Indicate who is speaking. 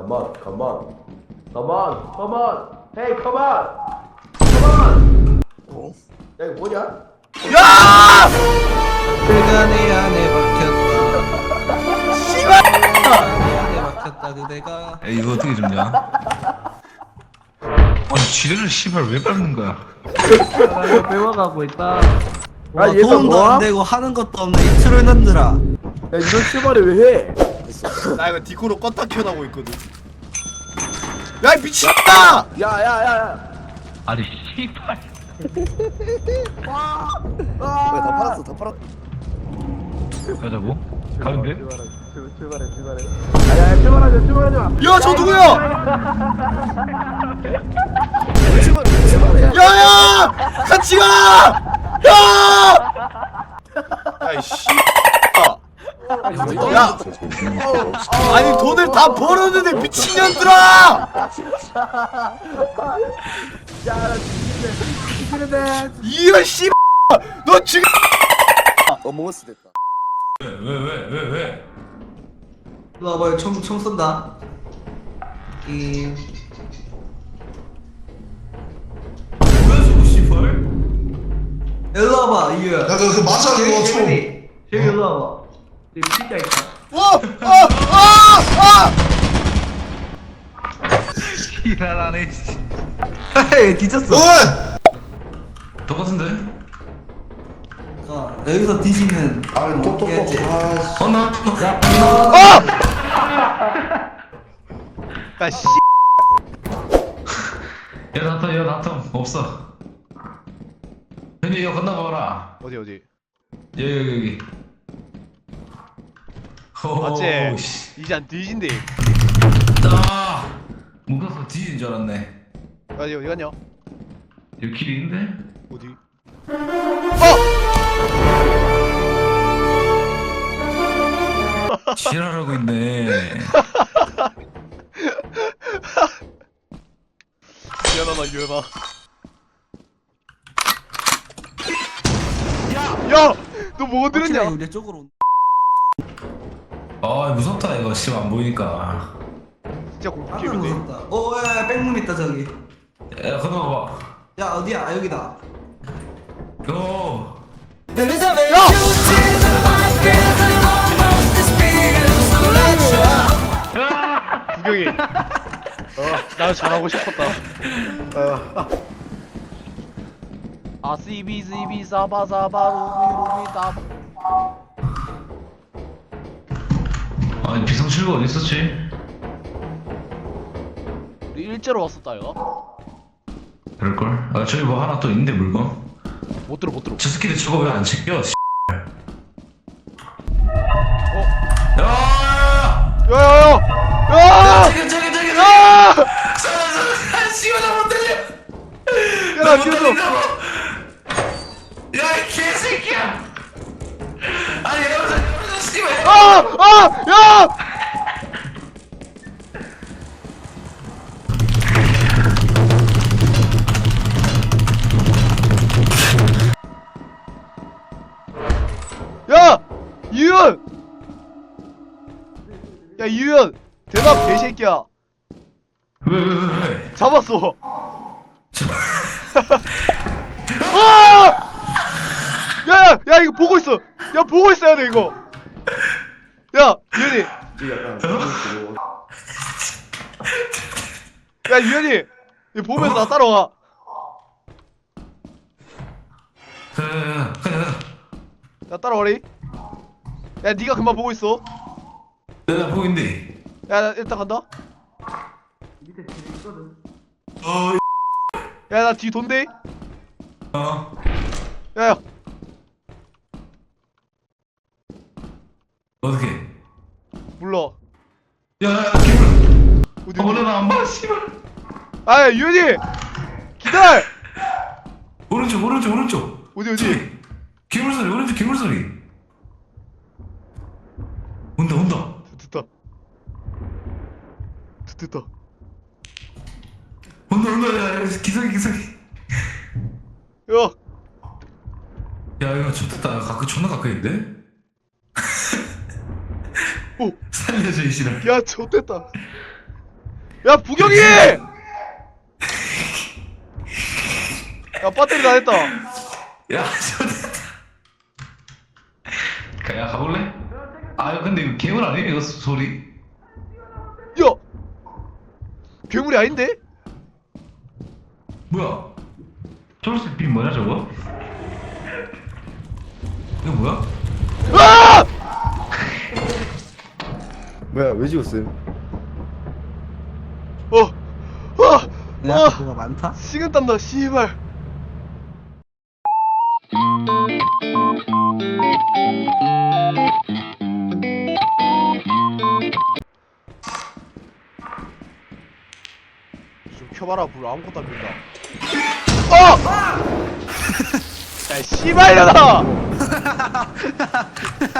Speaker 1: Come on, come on, come on, come on. Hey, come on, come on.
Speaker 2: 어?
Speaker 1: 야 이거 뭐냐?
Speaker 3: 야!
Speaker 2: 그대가 내 안에 박혔다.
Speaker 3: 씨발!
Speaker 2: 내 안에 박혔다 그대가.
Speaker 4: 야, 이거 어떻게 줍냐? 아니 지뢰를 씨발 왜 밟는 거야?
Speaker 2: 나를 배워가고 있다.
Speaker 1: 아,
Speaker 2: 와,
Speaker 1: 얘가
Speaker 2: 돈도
Speaker 1: 뭐야?
Speaker 2: 안 되고 하는 것도 없네 이 트롤년들아.
Speaker 1: 야 이런 씨발을 왜 해?
Speaker 3: 나 이거 디코로 껐다 켜나고 있거든. 야, 이 미친다!
Speaker 1: 야야야야.
Speaker 4: 아니 씨발.
Speaker 3: 다 팔았어, 다 팔았어.
Speaker 4: 가자고? 가면 돼?
Speaker 1: 출발해. 야야 출발하자.
Speaker 3: 야, 저 누구야? 야야! 같이 가! 야! 야, 이 씨. 야! 아니 돈을 다 벌었는데 미친년들아!
Speaker 1: 야나 죽이는데.
Speaker 3: 이런 씨. 너 지금
Speaker 5: 어몽어스 됐다.
Speaker 4: 왜?
Speaker 2: 일로 와봐 총 쏜다.
Speaker 4: 뭐야 저거 씨발?
Speaker 2: 일로 와봐 이유야.
Speaker 5: 야, 그 맞아 그거 총.
Speaker 2: 쉐이 일로 와봐. 이 피자 있다.
Speaker 4: 지랄하네.
Speaker 2: 헤이 뒤졌어.
Speaker 5: 어!
Speaker 4: 똑같은데?
Speaker 2: 여기서 뒤지면
Speaker 5: 아, 똑똑똑.
Speaker 2: 해야지.
Speaker 5: 아,
Speaker 4: 나.
Speaker 3: 야, 씨.
Speaker 4: 야 나텀 없어. 현이 이거 건너봐라.
Speaker 3: 어디?
Speaker 4: 여기.
Speaker 3: 맞지?
Speaker 4: 씨.
Speaker 3: 이제 안 뒤진대.
Speaker 4: 나 묶어서 뒤진 줄 알았네.
Speaker 3: 어디 갔냐?
Speaker 4: 여기 길이 있는데?
Speaker 3: 어디?
Speaker 4: 지랄하고 있네.
Speaker 3: 유연아. 야! 너 뭐 들었냐?
Speaker 2: 우리 쪽으로 온다.
Speaker 4: 아 무섭다 이거 씨발 안 보이니까.
Speaker 3: 진짜
Speaker 2: 깜짝
Speaker 3: 공포게임인데.
Speaker 2: 무섭다. 야 백룸 있다 저기.
Speaker 4: 야 건너가봐.
Speaker 2: 야 어디야? 여기다.
Speaker 4: 고.
Speaker 3: 구경이. 나도 잘하고 싶었다. 아시비시비 사바사바 로비로비 다.
Speaker 4: 아니 비상출구 어디 있었지?
Speaker 3: 우리 일제로 왔었다 이거.
Speaker 4: 그럴걸? 아 저기 뭐 하나 또 있는데 물건?
Speaker 3: 못 들어.
Speaker 4: 저 새끼들 저거 왜 안 챙겨? 씨.
Speaker 3: 어?
Speaker 4: 야!
Speaker 3: 야야야!
Speaker 4: 저기
Speaker 3: 야!
Speaker 4: 씨발 나못 들려.
Speaker 3: 야, 나 뒤에서.
Speaker 4: 야이 개새끼야. 아니 여기서 씨발.
Speaker 3: 야! 야! 이윤! 야, 이윤! 대답 개새끼야.
Speaker 4: 왜?
Speaker 3: 잡았어. 아! 야, 이거 보고 있어. 야, 보고 있어야 돼, 이거. 야, 이윤이. 야, 이윤이. 이거 보면서 나 따라와. 나 따라와리. 야, 니가 그만 보고 있어.
Speaker 4: 내가 보인대.
Speaker 3: 야, 나 일단 간다.
Speaker 2: 밑에 뒤에 있거든.
Speaker 3: 야, 나 뒤 돈대.
Speaker 4: 어.
Speaker 3: 야,
Speaker 4: 어떻게?
Speaker 3: 몰라.
Speaker 4: 야, 기분.
Speaker 3: 어디,
Speaker 4: 원래 나안 봐, 씨발.
Speaker 3: 아, 야, 유현이! 기다려!
Speaker 4: 오른쪽.
Speaker 3: 어디?
Speaker 4: 저기. 괴물 소리, 오른쪽 괴물 소리. 온다.
Speaker 3: 됐다.
Speaker 4: 온다. 야, 기석이.
Speaker 3: 야!
Speaker 4: 야, 이거 좋겠다. 존나 가까이인데?
Speaker 3: 오!
Speaker 4: 살려줘, 이 씨발.
Speaker 3: 야, 좋됐다. 야 부경이! 야 배터리 다 됐다.
Speaker 4: 야, 야 가볼래? 아 근데 이거 괴물 아니야 이거 소리?
Speaker 3: 야 괴물이 아닌데?
Speaker 4: 뭐야? 초록색 빛 뭐냐 저거? 이거 뭐야?
Speaker 3: 아!
Speaker 5: 뭐야 왜 죽었어요?
Speaker 2: 뭐가 많다?
Speaker 3: 식은 땀나 씨발. 좀 켜봐라 불 아무것도 안 핀다. 야 씨발려나!